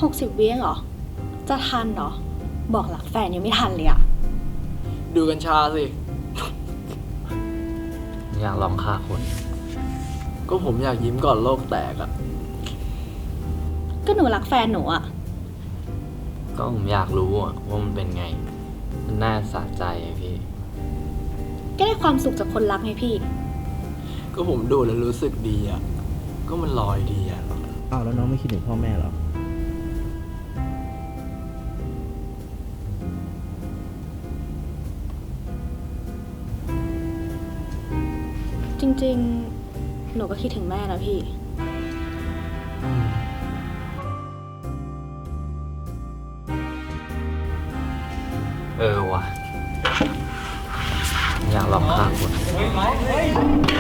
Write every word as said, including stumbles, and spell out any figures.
หกสิบวิเองเหรอ จะทันเหรอ บอกรักแฟนยังไม่ทันเลยอะดูกัญชาสิอยากลองฆ่าคนก็ผมอยากยิ้มก่อนโลกแตกอะก็หนูรักแฟนหนูอะก็ผมอยากรู้อะว่ามันเป็นไง มันน่าสะใจอะพี่ก็ได้ความสุขจากคนรักไงพี่ก็ผมดูแล้วรู้สึกดีอะก็มันลอยดีอะอ้าวแล้วน้องไม่คิดถึงพ่อแม่เหรอจริงๆ หนูก็คิดถึงแม่นะพี่เออว่ะ อยากลองฆ่าคน